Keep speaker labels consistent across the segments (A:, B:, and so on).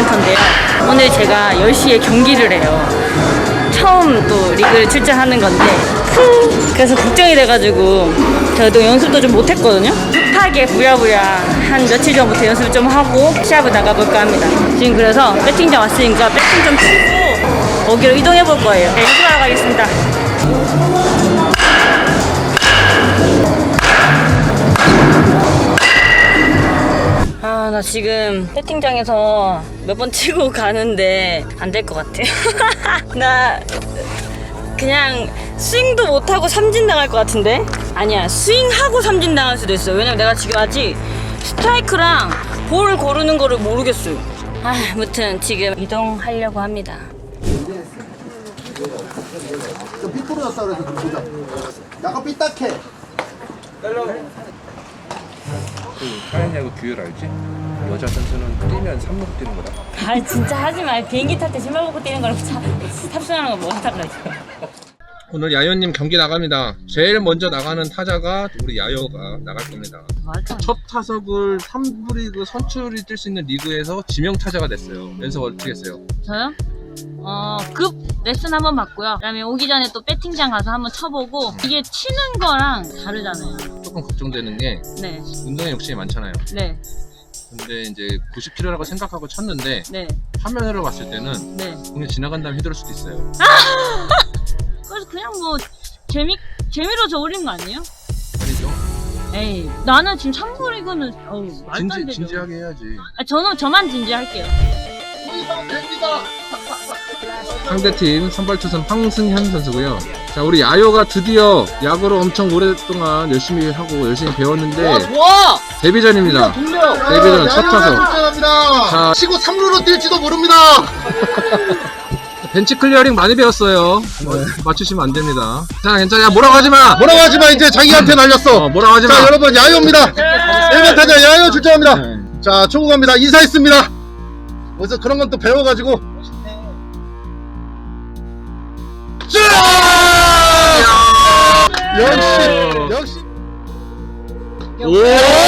A: 센터인데요. 오늘 제가 10시에 경기를 해요. 처음 또 리그를 출전하는 건데 그래서 걱정이 돼가지고 저도 연습도 좀 못했거든요. 숱하게 부랴부랴 한 며칠 전부터 연습을 좀 하고 시합을 나가볼까 합니다. 지금 그래서 배팅장 왔으니까 배팅 좀 치고 거기로 이동해 볼 거예요. 네, 연습하러 가겠습니다. 나 지금 배팅장에서 몇 번 치고 가는데 안 될 것 같아. 나 그냥 스윙도 못하고 삼진 당할 것 같은데? 아니야, 스윙하고 삼진 당할 수도 있어. 왜냐면 내가 지금 아직 스트라이크랑 볼을 고르는 거를 모르겠어요. 아무튼 지금 이동하려고 합니다.
B: 삐 부러졌다 그래서 좀 보자. 약간 삐딱해.
C: 그 타이냐고 규율 알지? 여자 선수는 뛰면 3루 뛰는 거다.
A: 진짜 하지 마. 비행기 탈 때 신발 벗고 뛰는 거랑 탑승하는 거 뭐가 달라.
C: 오늘 야요님 경기 나갑니다. 제일 먼저 나가는 타자가 우리 야요가 나갈 겁니다. 첫 타석을 3부 리그 선출이 뛸 수 있는 리그에서 지명 타자가 됐어요. 연습 어떻게 했어요?
A: 저요? 급 레슨 한번 받고요. 그다음에 오기 전에 또 배팅장 가서 한번 쳐보고 이게 치는 거랑 다르잖아요.
C: 조금 걱정되는 게
A: 네.
C: 운동에 욕심이 많잖아요.
A: 네.
C: 근데 이제 90kg라고 생각하고 쳤는데
A: 네.
C: 화면으로 봤을 때는
A: 네.
C: 공이 지나간 다음에 휘두를 수도 있어요.
A: 그래서 그냥 뭐 재미로 저 올린 거 아니에요?
C: 아니죠?
A: 에이, 나는 지금 참고리그는 말도 안 되죠.
C: 진지하게 해야지.
A: 저만 진지할게요.
C: 상대팀 선발투수 황승현 선수고요. 자, 우리 야요가 드디어 야구를 엄청 오랫동안 열심히 하고 열심히 배웠는데
B: 좋아.
C: 데뷔전입니다. 데뷔전 첫 타석. 자,
B: 치고 3루로 뛸지도 모릅니다.
C: 벤치 클리어링 많이 배웠어요. 맞추시면 안 됩니다. 자, 괜찮아. 야, 뭐라고 하지 마.
B: 뭐라고 하지 마. 이제 자기한테 날렸어.
C: 뭐라고 하지 마.
B: 자, 여러분 야요입니다. 1번 타자 야요 출전합니다. 자, 초구 갑니다. 인사했습니다. 그래서 그런 건 또 배워가지고. 역시.
C: 오!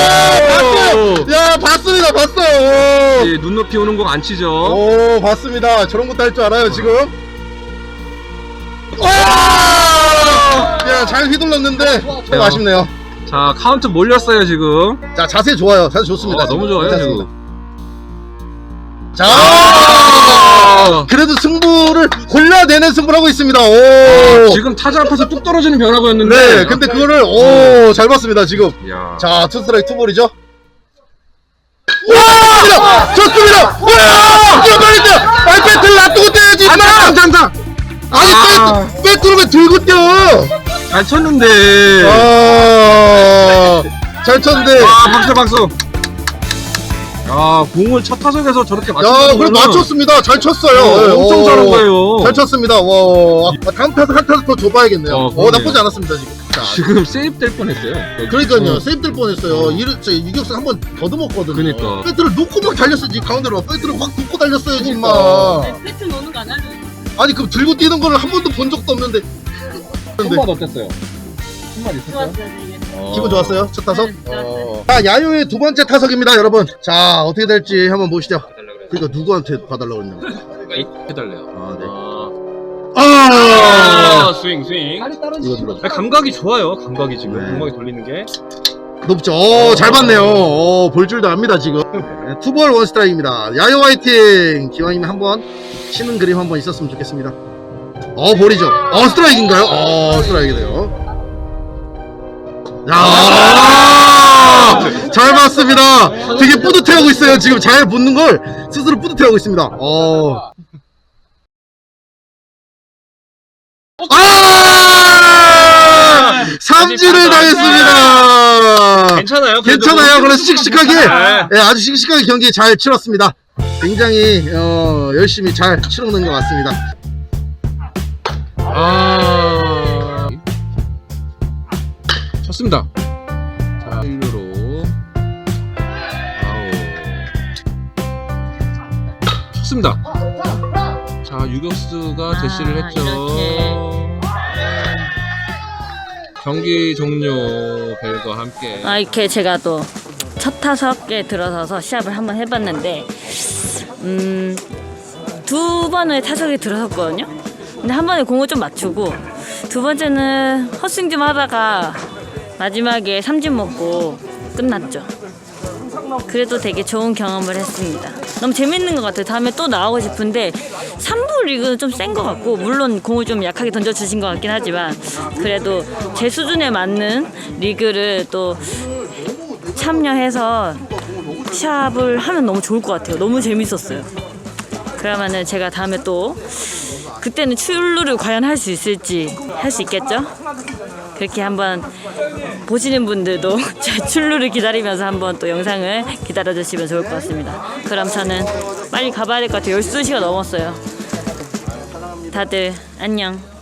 B: 야, 봤습니다. 봤어요.
C: 예, 눈높이 오는 공 안 치죠.
B: 오, 봤습니다. 저런 것도 할 줄 알아요, 지금. 야, 잘 휘둘렀는데 좀 아쉽네요.
C: 자, 카운트 몰렸어요, 지금.
B: 자, 자세 좋아요. 자세 좋습니다.
C: 너무 좋아요,
B: 괜찮습니다.
C: 지금.
B: 자, 그래도 승부를 골라내는 승부를 하고 있습니다. 오.
C: 지금 타자 앞에서 뚝 떨어지는 변화구였는데.
B: 네, 근데 그거를 오, 잘 봤습니다, 지금.
C: 야.
B: 자, 투스트라이크 투볼이죠. 와! 좋습니다! 와! 빨리 뛰어! 아니, 배트를 놔두고 뛰어야지, 임마!
C: 장장!
B: 아니, 배트를 왜 들고 뛰어!
C: 잘 쳤는데.
B: 잘 쳤는데.
C: 박수. 공을 첫 타석에서 저렇게
B: 야,
C: 맞춘다는
B: 그래
C: 거는
B: 맞췄습니다. 잘 쳤어요. 네,
C: 엄청 잘한 거예요.
B: 잘 쳤습니다. 와, 다음 타석 한 타석 더 줘봐야겠네요.
C: 그러네요.
B: 나쁘지 않았습니다 지금. 자,
C: 지금 세이브 될 뻔했어요.
B: 그러니까요, 세이브 될 뻔했어요. 유격수 한 번 더듬었거든요.
C: 그러니까.
B: 배트를 놓고 막 달렸어야지. 가운데로 배트를 확 놓고 달렸어야지, 임마.
A: 배트 노는 거 안 하죠?
B: 아니, 그럼 들고 뛰는 거를 한 번도 본 적도 없는데.
C: 손맛 어땠어요? 손맛 있었어요?
A: 좋았어요, 이게.
B: 기분 좋았어요? 첫 타석?
A: 네, 좋았어요.
B: 자, 야요의 두 번째 타석입니다, 여러분. 자, 어떻게 될지 한번 보시죠. 그러니까 누구한테 봐달라고 했냐고.
C: 해달래요. 스윙.
B: 이거 눌러줘.
C: 감각이 좋아요. 감각이 지금.
B: 네.
C: 감각이 돌리는 게.
B: 높죠. 잘 봤네요. 볼 줄도 압니다, 지금. 네, 투볼 원 스트라이크입니다. 야요 화이팅! 기왕이면 한번 치는 그림 한번 있었으면 좋겠습니다. 볼이죠. 스트라이크인가요? 스트라이크네요. 야, 잘 봤습니다. 되게 뿌듯해하고 있어요. 지금 잘 붙는 걸 스스로 뿌듯해하고 있습니다. 삼진을 당했습니다.
C: 괜찮아요.
B: 괜찮아요. 그래서 씩씩하게,
C: 네.
B: 아주 씩씩하게 경기 잘 치렀습니다. 굉장히 열심히 잘 치러낸 것 같습니다.
C: 쳤습니다. 자, 1루로 쳤습니다. 자, 유격수가 제시를 했죠.
A: 이렇게.
C: 경기 종료 벨과 함께
A: 이렇게 제가 또 첫 타석에 들어서서 시합을 한번 해봤는데 두 번의 타석에 들어섰거든요. 근데 한 번에 공을 좀 맞추고 두 번째는 헛스윙 좀 하다가 마지막에 삼진 먹고 끝났죠. 그래도 되게 좋은 경험을 했습니다. 너무 재밌는 것 같아요. 다음에 또 나오고 싶은데 3부 리그는 좀 센 것 같고 물론 공을 좀 약하게 던져주신 것 같긴 하지만 그래도 제 수준에 맞는 리그를 또 참여해서 시합을 하면 너무 좋을 것 같아요. 너무 재밌었어요. 그러면은 제가 다음에 또 그때는 출루를 과연 할 수 있을지 할 수 있겠죠? 그렇게 한번 보시는 분들도 제 출루를 기다리면서 한번 또 영상을 기다려주시면 좋을 것 같습니다. 그럼 저는 빨리 가봐야 될 것 같아요. 12시가 넘었어요. 다들 안녕.